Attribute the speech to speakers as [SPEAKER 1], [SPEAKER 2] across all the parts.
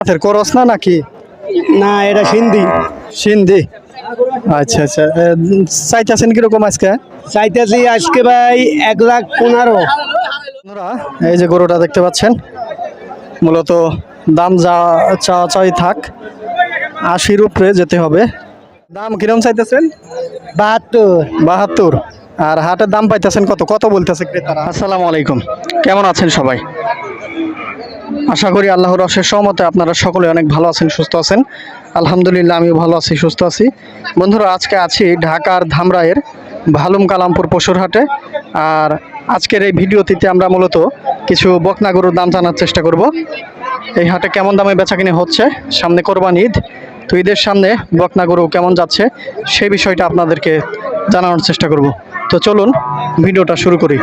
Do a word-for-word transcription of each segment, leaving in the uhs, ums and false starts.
[SPEAKER 1] করস না নাকি?
[SPEAKER 2] না, এটা সিন্ধি।
[SPEAKER 1] সিন্ধি, আচ্ছা আচ্ছা। চাইতেছেন কিরকম আজকে?
[SPEAKER 2] চাইতেছি আজকে ভাই এক লাখ পনেরো।
[SPEAKER 1] বন্ধুরা, এই যে গরুটা দেখতে পাচ্ছেন, মূলত দাম যা চা চাই থাক, আশির উপরে যেতে হবে। দাম কিরকম চাইতেছেন?
[SPEAKER 2] বাহাত্তর।
[SPEAKER 1] বাহাত্তর। আর হাটের দাম পাইতেছেন কত? কত বলতেছে ক্রেতারা? আসসালামু আলাইকুম, কেমন আছেন সবাই? আশা করি আল্লাহর অশেষ সহমতে আপনারা সকলে অনেক ভালো আছেন, সুস্থ আছেন। আলহামদুলিল্লাহ, আমিও ভালো আছি, সুস্থ আছি। বন্ধুরা, আজকে আছি ঢাকার ধামরাইয়ের ভালুম কালামপুর পশুর হাটে। আর আজকের এই ভিডিওটিতে আমরা মূলত কিছু বকনা গরুর দাম জানার চেষ্টা করব। এই হাটে কেমন দামে বেচাকিনি হচ্ছে, সামনে কোরবানি ঈদ, তো ঈদের সামনে বকনা গরু কেমন যাচ্ছে সেই বিষয়টা আপনাদেরকে জানানোর চেষ্টা করব। তো চলুন ভিডিওটা শুরু করি।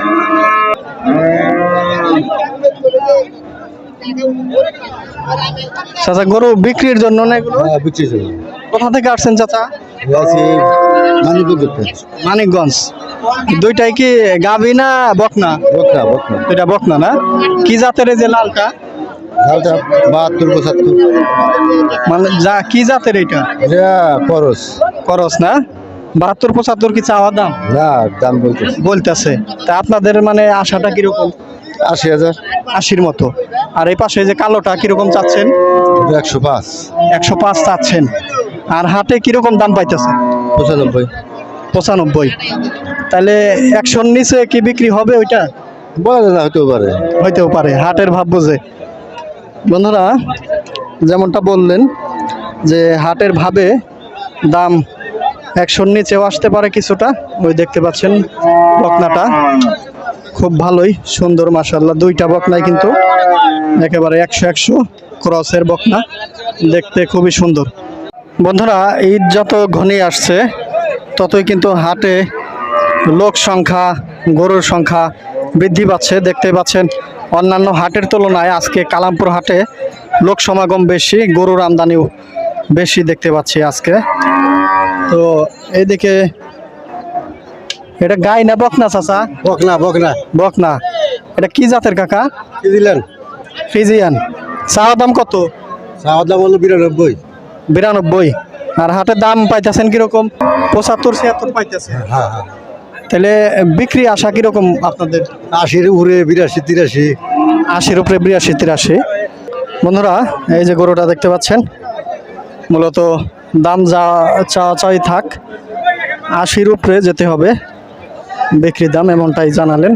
[SPEAKER 1] চাচা, গরু বিক্রির জন্য না এগুলো?
[SPEAKER 3] হ্যাঁ, বিক্রির জন্য।
[SPEAKER 1] কোথা থেকে আসছেন চাচা?
[SPEAKER 3] আছি মানিকগঞ্জ।
[SPEAKER 1] মানিকগঞ্জ। দুইটাই কি গাভী না বকনা?
[SPEAKER 3] বকনা বকনা
[SPEAKER 1] এটা বকনা না? কি জাতের এই যে লালটা?
[SPEAKER 3] লালটা বাহাত্তর পঁচাত্তর।
[SPEAKER 1] মানে যা কি জাতের এটা?
[SPEAKER 3] এটা খরচ।
[SPEAKER 1] করস না? বাহাত্তর পঁচাত্তর কি চাওয়া দাম
[SPEAKER 3] না, দাম বলতে
[SPEAKER 1] বলতেছে? তা আপনাদের মানে আশাটা কিরকম?
[SPEAKER 3] আশি হাজার।
[SPEAKER 1] আশির মতো। আর এই পাশে যে কালোটা কিরকম চাচ্ছেন?
[SPEAKER 3] একশো পাঁচ।
[SPEAKER 1] একশো পাঁচ চাচ্ছেন। আর হাটে কিরকম দাম পাইতেছে?
[SPEAKER 3] পঁচানব্বই।
[SPEAKER 1] পঁচানব্বই। তাহলে একশোর নিচে কি বিক্রি হবে ওইটা?
[SPEAKER 3] বলা যায় না, হতেও পারে।
[SPEAKER 1] হইতেও পারে, হাটের ভাব বুঝে। বন্ধুরা, যেমনটা বললেন যে হাটের ভাবে দাম একশোর নিচেও আসতে পারে কিছুটা। ওই দেখতে পাচ্ছেন বকনাটা খুব ভালোই সুন্দর, মাশাআল্লাহ। দুইটা বকনাই কিন্তু একেবারে একশো একশো ক্রসের বকনা, দেখতে খুবই সুন্দর। বন্ধুরা, ঈদ যত ঘনিয়ে আসছে ততই কিন্তু হাটে লোক সংখ্যা, গরুর সংখ্যা বৃদ্ধি পাচ্ছে। দেখতে পাচ্ছেন অন্যান্য হাটের তুলনায় আজকে কালামপুর হাটে লোক সমাগম বেশি, গরুর আমদানিও বেশি দেখতে পাচ্ছি আজকে। তো এইদিকে এটা গাই না বকনা চাচা?
[SPEAKER 3] বকনা বকনা
[SPEAKER 1] বকনা। এটা কি জাতের কাকা?
[SPEAKER 3] কি দিলেন?
[SPEAKER 1] ফ্রিজিয়ান। চাওয়া দাম কত?
[SPEAKER 3] চাওয়ার দাম হলো বিরানব্বই।
[SPEAKER 1] বিরানব্বই। আর হাটের দাম পাইতেছেন কিরকম? পঁচাত্তর ছিয়াত্তর পাইতেছে।
[SPEAKER 3] হ্যাঁ হ্যাঁ।
[SPEAKER 1] তাহলে বিক্রি আশা কিরকম আপনাদের?
[SPEAKER 3] আশির উপরে, বিরাশি তিরাশি।
[SPEAKER 1] আশির উপরে, বিরাশি তিরাশি। বন্ধুরা, এই যে গরুটা দেখতে পাচ্ছেন, মূলত দাম যা চা চাই থাক, আশির উপরে যেতে হবে বিক্রির দাম, এমনটাই জানালেন।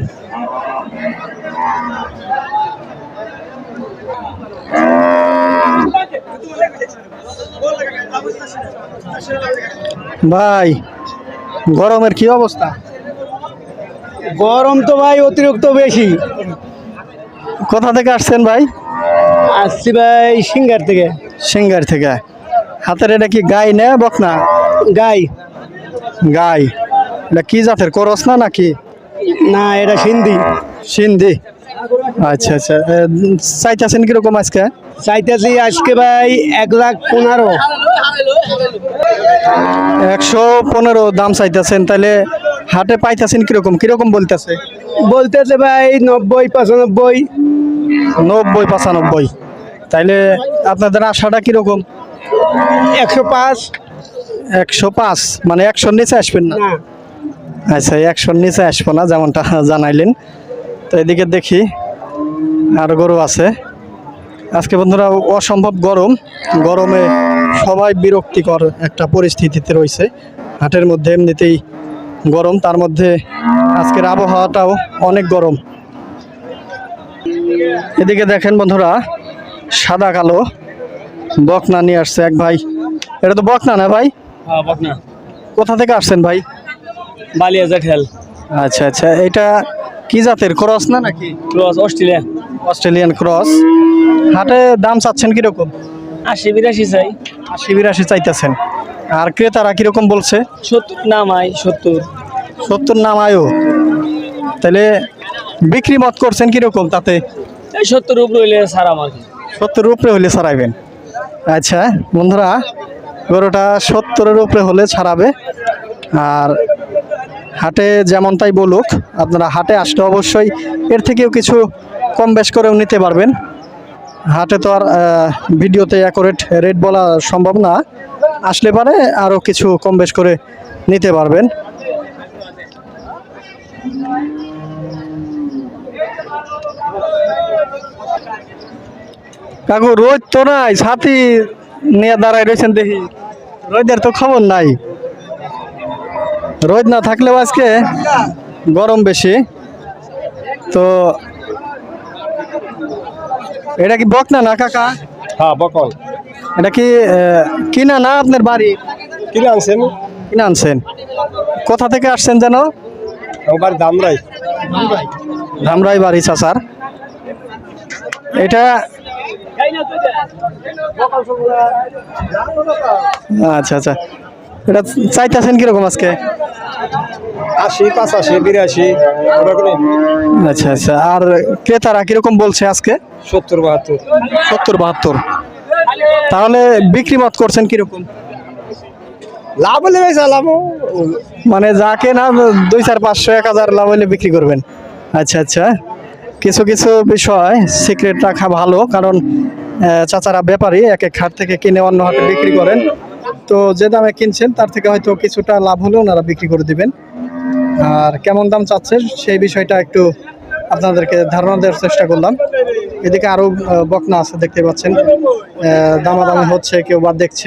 [SPEAKER 1] ভাই, গরমের কি অবস্থা?
[SPEAKER 2] গরম তো ভাই অতিরিক্ত বেশি।
[SPEAKER 1] কোথা থেকে আসছেন ভাই?
[SPEAKER 2] আসছি ভাই সিঙ্গার থেকে।
[SPEAKER 1] সিঙ্গার থেকে। হাতের এটা কি গাই না বকনা?
[SPEAKER 2] গাই।
[SPEAKER 1] গাই। এটা কি জাতের, করস না নাকি?
[SPEAKER 2] না, এটা সিন্ধি।
[SPEAKER 1] সিন্ধি, আচ্ছা আচ্ছা। চাইতেছেন কিরকম আজকে?
[SPEAKER 2] চাইতেছি আজকে ভাই এক লাখ পনেরো।
[SPEAKER 1] একশো পনেরো দাম চাইতেছেন। তাহলে হাটে পাইতেছেন কিরকম? কিরকম বলতেছে?
[SPEAKER 2] বলতেছে ভাই নব্বই পঁচানব্বই।
[SPEAKER 1] নব্বই পঁচানব্বই। তাইলে আপনাদের আশাটা কিরকম?
[SPEAKER 2] একশো পাঁচ।
[SPEAKER 1] একশো পাঁচ মানে একশোর নিচে আসবেন না?
[SPEAKER 2] না।
[SPEAKER 1] আচ্ছা, একশোর নিচে আসবো না যেমনটা জানাইলেন। তো এদিকে দেখি আর গরু আছে আজকে। বন্ধুরা, অসম্ভব গরম, গরমে সবাই বিরক্তিকর একটা পরিস্থিতিতে রয়েছে হাটের মধ্যে। এমনিতেই গরম, তার মধ্যে আজকের আবহাওয়াটাও অনেক গরম। এদিকে দেখেন বন্ধুরা, সাদা কালো বকনা নিয়ে আসছে এক ভাই। এটা তো বকনা না ভাই?
[SPEAKER 2] হ্যাঁ, বকনা।
[SPEAKER 1] কোথা থেকে আসছেন ভাই?
[SPEAKER 2] বালিয়াজা ঠেল।
[SPEAKER 1] আচ্ছা আচ্ছা। এটা কি জাতের, ক্রস না নাকি?
[SPEAKER 2] Cross, Australia.
[SPEAKER 1] Australian cross. হাটে দাম চাচ্ছেন কিরকম?
[SPEAKER 2] আশি বিরাশি চাই।
[SPEAKER 1] আশি বিরাশি চাইতেছেন। আর ক্রেতারা কিরকম বলছে?
[SPEAKER 2] সত্তর নাম আয়। সত্তর।
[SPEAKER 1] সত্তর নাম আয়ো। তাহলে বিক্রি মত করছেন কিরকম তাতে?
[SPEAKER 2] এই সত্তর উপরে হইলে সারা মাকে।
[SPEAKER 1] সত্তর উপরে হলে ছাড়াইবেন। আচ্ছা বন্ধুরা, গরুটা সত্তরের উপরে হলে ছাড়াবে। আর হাটে যেমন তাই বলুক, আপনারা হাটে আসলে অবশ্যই এর থেকেও কিছু কম বেশ করেও নিতে পারবেন। হাটে তো আর আহ, ভিডিওতে অ্যাকুরেট রেট বলা সম্ভব না, আসলে পারে আরও কিছু কম বেশ করে নিতে পারবেন। কাকু রোদ তো নাই, ছাতি নিয়ে দাঁড়ায় রয়েছেন দেখি, রোদের তো খবর নাই। রোদ না থাকলেও আজকে গরম বেশি। তো এটা কি বকনা না কাকা?
[SPEAKER 3] হ্যাঁ বকল
[SPEAKER 1] এটা কি আহ, কিনা না আপনার বাড়ি?
[SPEAKER 3] কিনে আনছেন
[SPEAKER 1] কিনে আনছেন? কোথা থেকে আসছেন যেন?
[SPEAKER 3] আমার দাম নাই
[SPEAKER 1] ধামরাই বাড়ি চাচার। এটা আচ্ছা আচ্ছা, এটা চাইতেছেন কিরকম আজকে?
[SPEAKER 3] আশি পাঁচাশি বিরাশি
[SPEAKER 1] আচ্ছা আচ্ছা, আর ক্রেতারা কিরকম বলছে আজকে?
[SPEAKER 3] সত্তর বাহাত্তর
[SPEAKER 1] সত্তর বাহাত্তর। তাহলে বিক্রি মত করছেন কিরকম?
[SPEAKER 3] লাভ হলে লাভ
[SPEAKER 1] মানে যাকে না দুই চার পাঁচশো এক হাজার লাভ হলে বিক্রি করবেন। আচ্ছা আচ্ছা, কিছু কিছু বিষয় সিক্রেট রাখা ভালো, কারণ আহ, চাচারা ব্যাপারী এক এক হাট থেকে কিনে অন্য হাটে বিক্রি করেন। তো যে দামে কিনছেন তার থেকে হয়তো কিছুটা লাভ হলেও ওনারা বিক্রি করে দিবেন। আর কেমন দাম চাচ্ছেন সেই বিষয়টা একটু আপনাদেরকে ধারণা দেওয়ার চেষ্টা করলাম। এদিকে আরও আহ, বকনা আছে দেখতে পাচ্ছেন, আহ, দামাদামি হচ্ছে, কেউ বা দেখছে।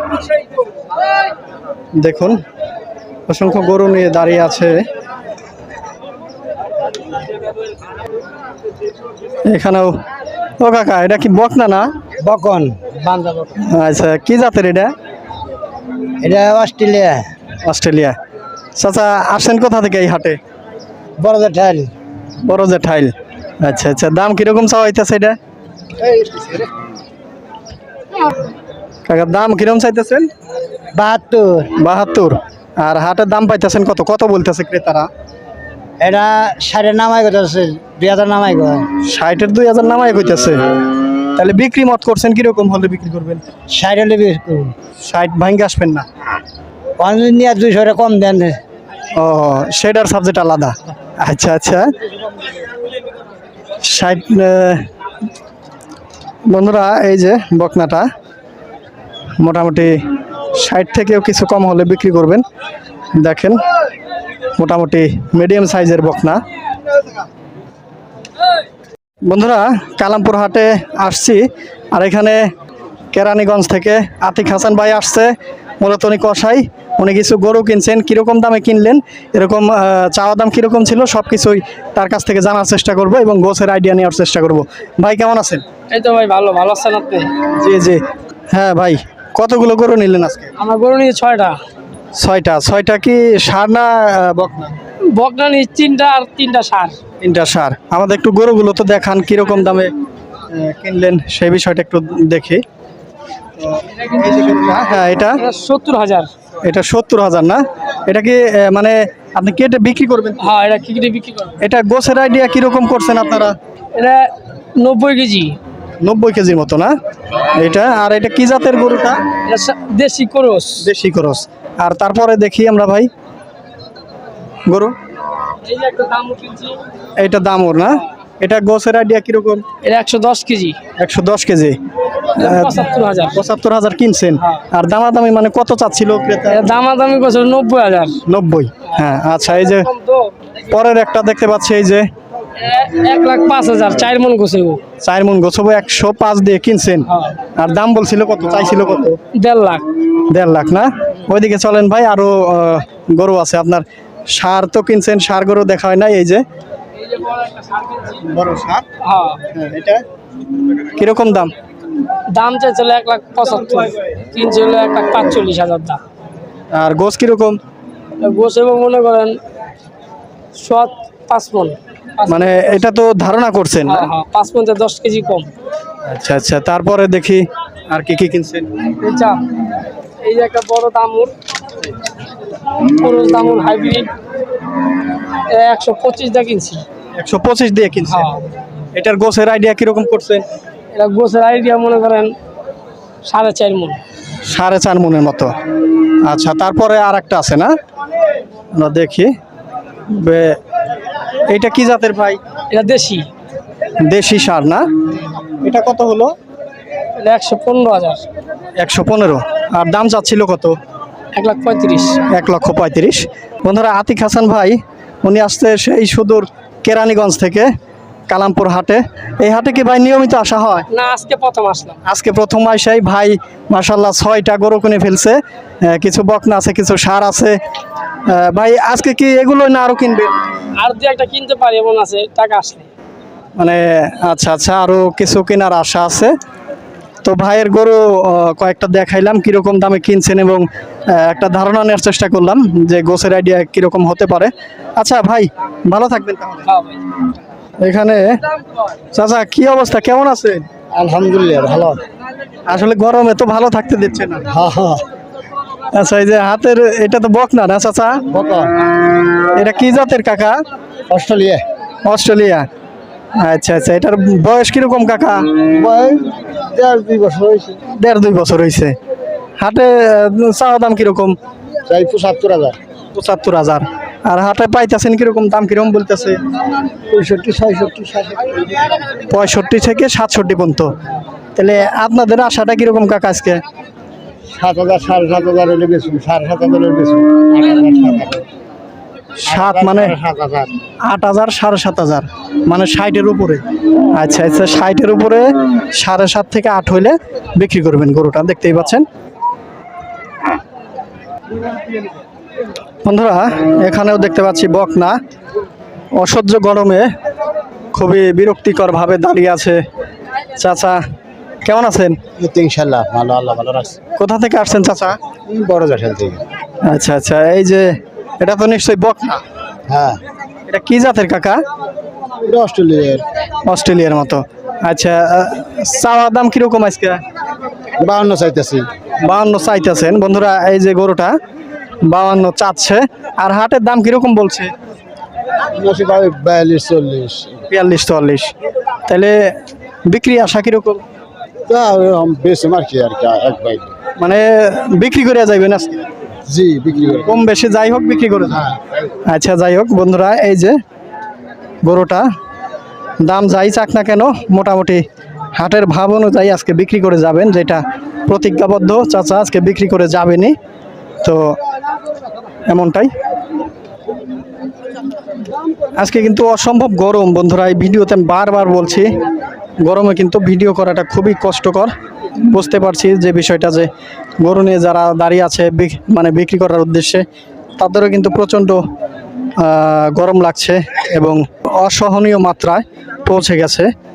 [SPEAKER 1] দেখুন অসংখ্য গরু নিয়ে দাঁড়িয়ে আছে এখানেও। ও কাকা, এটা কি বকনা না?
[SPEAKER 3] বকন বান্দা বকন
[SPEAKER 1] আচ্ছা, কি জাতের এটা?
[SPEAKER 3] এটা অস্ট্রেলিয়া
[SPEAKER 1] অস্ট্রেলিয়া। চাচা আসছেন কোথা থেকে এই হাটে?
[SPEAKER 3] বড়দের ঠাইল
[SPEAKER 1] বড় যে ঠাইল। আচ্ছা আচ্ছা, দাম কিরকম চাওয়া হইতেছে এটা? কাকা দাম কিরকম চাইতেছেন?
[SPEAKER 3] বাহাত্তর
[SPEAKER 1] বাহাত্তর। আর হাটের দাম পাইতেছেন কত? কত বলতেছে ক্রেতারা?
[SPEAKER 3] এটা সাড়ে নামাই কথা আছে দুই হাজার নামাই কথা
[SPEAKER 1] ষাটের দুই হাজার নামাই কইতেছে। তাহলে বিক্রি মত করছেন কিরকম হলে বিক্রি করবেন?
[SPEAKER 3] ষাট হলে বেশ করুন
[SPEAKER 1] ষাট ভাঙ্গে আসবেন না?
[SPEAKER 3] পঞ্চাশ নিয়ে দুইশো টাকা কম দেন
[SPEAKER 1] ও, সেটার সাবজেক্ট আলাদা। আচ্ছা আচ্ছা, ষাট। আহ, বন্ধুরা এই যে বকনাটা মোটামুটি ষাট থেকেও কিছু কম হলে বিক্রি করবেন। দেখেন মোটামুটি মিডিয়াম সাইজের বকনা। বন্ধুরা কালামপুর হাটে আসছি, আর এখানে কেরানীগঞ্জ থেকে আতিক হাসান ভাই আসছে। মূলত উনি কষাই, উনি কিছু গরু কিনছেন। কীরকম দামে কিনলেন, এরকম আহ, চাওয়া দাম কীরকম ছিল, সব কিছুই তার কাছ থেকে জানার চেষ্টা করব এবং গোছের আইডিয়া নেওয়ার চেষ্টা করব। ভাই কেমন আছেন?
[SPEAKER 2] এই তো ভাই ভালো ভালো আছেন আপনি?
[SPEAKER 1] জি জি, হ্যাঁ ভাই। কতগুলো গরু নিলেন আজকে?
[SPEAKER 2] আমার গরু নিয়ে ছয়টা।
[SPEAKER 1] ছয়টা। ছয়টা কি সার না আহ, বকনা?
[SPEAKER 2] বকনা নিয়ে তিনটা আর তিনটা সার।
[SPEAKER 1] তিনটা সার। আমাদের একটু গরুগুলো তো দেখান, কিরকম দামে আহ, কিনলেন সেই বিষয়টা একটু দেখি। এই যে গরুটা, হ্যাঁ এটা
[SPEAKER 2] এটা সত্তর হাজার।
[SPEAKER 1] এটা সত্তর হাজার না? এটা কি আহ, মানে আপনি কেটে বিক্রি করবেন?
[SPEAKER 2] হ্যাঁ, এটা কি কেটে বিক্রি করবে?
[SPEAKER 1] এটা গোছের আইডিয়া কিরকম করছেন আপনারা?
[SPEAKER 2] এটা নব্বই কেজি।
[SPEAKER 1] নব্বই কেজির মতো না এটা? আর এটা কি জাতের গরুটা?
[SPEAKER 2] এটা সা- দেশি ক্রস।
[SPEAKER 1] দেশি ক্রস। আর তারপরে দেখি আমরা ভাই গরু,
[SPEAKER 2] এই যে একটা দাম কিনছি,
[SPEAKER 1] এইটা দাম ওর না? এটা গোছের আইডিয়া কিরকম?
[SPEAKER 2] এটা একশো দশ কেজি।
[SPEAKER 1] একশো দশ কেজি।
[SPEAKER 2] পঁচাত্তর হাজার।
[SPEAKER 1] পঁচাত্তর হাজার কিনছেন। আর দামাদামি মানে কত চাচ্ছিল ক্রেতা?
[SPEAKER 2] এটা দামাদামি করছে নব্বই হাজার।
[SPEAKER 1] নব্বই। হ্যাঁ আচ্ছা, এই যে
[SPEAKER 2] কম তো।
[SPEAKER 1] পরের একটা দেখতে পাচ্ছি, এই যে
[SPEAKER 2] এ- এক লাখ পাঁচ হাজার, চার মন গোছে গো।
[SPEAKER 1] চার মন গোছবো, একশো পাঁচ দিয়ে কিনছেন।
[SPEAKER 2] হ্যাঁ।
[SPEAKER 1] আর দাম বলছিল কত, চাইছিল কত?
[SPEAKER 2] দেড় লাখ।
[SPEAKER 1] দেড় লাখ না? ওইদিকে চলেন ভাই, আরো আহ, গরু আছে আপনার। সার তো কিনছেন, সার গরু দেখা হয় না। এই যে
[SPEAKER 2] এই যে বড় একটা সার কিনছি।
[SPEAKER 1] বড় সার,
[SPEAKER 2] হ্যাঁ,
[SPEAKER 1] এটা কিরকম দাম?
[SPEAKER 2] দাম চাইছিল এক লাখ পঁচাত্তর, কিনছে হলো এক লাখ পাঁচচল্লিশ হাজার দাম।
[SPEAKER 1] আর গোছ কিরকম?
[SPEAKER 2] গোছে মনে করেন সৎ পাঁচ মন।
[SPEAKER 1] মানে এটা তো ধারণা করছেন না?
[SPEAKER 2] হ্যাঁ হ্যাঁ, পাঁচ মন থেকে দশ কেজি কম।
[SPEAKER 1] আচ্ছা আচ্ছা, তারপরে দেখি আর কি কি কিনছেন।
[SPEAKER 2] বুঝছা, এই যে একটা বড় দামুর, পুরুষ দামুর হাইব্রিড, একশো পঁচিশ দিয়ে কিনছি।
[SPEAKER 1] একশো পঁচিশ দিয়ে কিনছেন।
[SPEAKER 2] হ্যাঁ,
[SPEAKER 1] এটার গোছের আইডিয়া কিরকম করছেন?
[SPEAKER 2] এটা গোছের আইডিয়া মনে করেন সাড়ে চার মন।
[SPEAKER 1] সাড়ে চার মনের মতো। আচ্ছা, তারপরে আর একটা আছে না, আমরা দেখি। বে- এইটা কি জাতের ভাই?
[SPEAKER 2] এটা দেশি।
[SPEAKER 1] দেশি সার না? এটা কত হলো?
[SPEAKER 2] এটা একশো পনেরো হাজার।
[SPEAKER 1] একশো পনেরো। আর দাম চাচ্ছিল কত?
[SPEAKER 2] এক লাখ পঁয়ত্রিশ।
[SPEAKER 1] এক লক্ষ পঁয়ত্রিশ। বন্ধুরা আতিক হাসান ভাই উনি আসছে সেই সুদূর কেরানীগঞ্জ থেকে কালামপুর হাটে। এই হাটে কি ভাই নিয়মিত আসা হয়?
[SPEAKER 2] না, আজকে প্রথম আসলাম।
[SPEAKER 1] আজকে প্রথম আইসাই ভাই মাশাল্লাহ ছয়টা গরু কিনে ফেলছে। আহ, কিছু বকনা আছে, কিছু সার আছে। আহ, ভাই আজকে কি এগুলো না আরো কিনবে?
[SPEAKER 2] আর দু একটা কিনতে পারি এমন আছে, টাকা আসলে।
[SPEAKER 1] মানে আচ্ছা আচ্ছা, আরো কিছু কেনার আশা আছে। তো ভাইয়ের গরু আহ, কয়েকটা দেখাইলাম কিরকম দামে কিনছেন এবং আহ, একটা ধারণা নেওয়ার চেষ্টা করলাম যে গোছের আইডিয়া কিরকম হতে পারে। আচ্ছা ভাই ভালো থাকবেন তাহলে।
[SPEAKER 2] হ্যাঁ ভাই।
[SPEAKER 1] এখানে চাচা কি অবস্থা, কেমন আছে?
[SPEAKER 3] আলহামদুলিল্লাহ ভালো।
[SPEAKER 1] আসলে গরমে তো ভালো থাকতে দিচ্ছে না।
[SPEAKER 3] হ্যাঁ হ্যাঁ
[SPEAKER 1] আচ্ছা এই যে হাতের এটা তো বকনা না চাচা?
[SPEAKER 3] বকা
[SPEAKER 1] এটা কি জাতের কাকা?
[SPEAKER 3] Australia
[SPEAKER 1] Australia. আচ্ছা আচ্ছা, এটার বয়স কিরকম কাকা?
[SPEAKER 3] বয়স দেড় দুই বছর হয়েছে।
[SPEAKER 1] দেড় দুই বছর হয়েছে। হাটে আহ, চাওয়া দাম কিরকম?
[SPEAKER 3] চাই পঁচাত্তর হাজার।
[SPEAKER 1] পঁচাত্তর হাজার। আর হাটে পাইতেছেন কিরকম, দাম কিরকম বলতেছে?
[SPEAKER 3] পঁয়ষট্টি ছয়ষট্টি সাতষট্টি।
[SPEAKER 1] পঁয়ষট্টি থেকে সাতষট্টি পর্যন্ত। তাহলে আপনাদের আশাটা কিরকম কাকা আজকে?
[SPEAKER 3] সাত হাজার সাড়ে সাত হাজার হলে বেশি, সাড়ে সাত হাজার হলে বেশি।
[SPEAKER 1] সাত মানে
[SPEAKER 3] সাত হাজার।
[SPEAKER 1] আট হাজার সাড়ে সাত হাজার মানে ষাটের উপরে। আচ্ছা আচ্ছা, ষাটের উপরে সাড়ে সাত থেকে আট হইলে বিক্রি করবেন গরুটা, দেখতেই পাচ্ছেন বন্ধুরা। এখানেও দেখতে পাচ্ছি বকনা অসহ্য গরমে খুবই বিরক্তিকর ভাবে দাঁড়িয়ে আছে। চাচা কেমন আছেন?
[SPEAKER 3] ইনশাল্লাহ ভালো, আল্লাহ ভালো রাখছে।
[SPEAKER 1] কোথা থেকে আসছেন চাচা?
[SPEAKER 3] বড় জাসেল থেকে।
[SPEAKER 1] আচ্ছা আচ্ছা, এই যে এটা তো নিশ্চয়ই বকনা।
[SPEAKER 3] হ্যাঁ,
[SPEAKER 1] এটা কি জাতের কাকা?
[SPEAKER 3] এটা অস্ট্রেলিয়ার।
[SPEAKER 1] অস্ট্রেলিয়ার মতো। আচ্ছা, আহ, চাওয়া দাম কিরকম আজকে?
[SPEAKER 3] বাউন্ন চাইতেছি।
[SPEAKER 1] বাউন্ন চাইতেছেন বন্ধুরা। এই যে গরুটা বাউন্ন চাচ্ছে। আর হাটের দাম কিরকম বলছে?
[SPEAKER 3] বিয়াল্লিশ চল্লিশ।
[SPEAKER 1] বিয়াল্লিশ চুয়াল্লিশ। তাহলে বিক্রি আশা কিরকম?
[SPEAKER 3] তা বেশি আর কি আর কি এক ভাই।
[SPEAKER 1] মানে বিক্রি করে যাইবেন আজকে?
[SPEAKER 3] জি বিক্রি করে।
[SPEAKER 1] কম বেশি যাই হোক বিক্রি করে যাবেন। আচ্ছা যাই হোক বন্ধুরা, এই যে গরুটা দাম যাই চাক না কেন মোটামুটি হাটের ভাব অনুযায়ী আজকে বিক্রি করে যাবেন, যেটা প্রতিজ্ঞাবদ্ধ চাচা আজকে বিক্রি করে যাবেনই। তো এমনটাই। আজকে কিন্তু অসম্ভব গরম বন্ধুরা। এই ভিডিওতে আমি বারবার বলছি গরমে কিন্তু ভিডিও করাটা খুবই কষ্টকর। বুঝতে পারছি যে বিষয়টা, যে গরু নিয়ে যারা দাঁড়িয়ে আছে বিক- মানে বিক্রি করার উদ্দেশ্যে, তাদেরও কিন্তু প্রচণ্ড আহ, গরম লাগছে এবং অসহনীয় মাত্রায় পৌঁছে গেছে।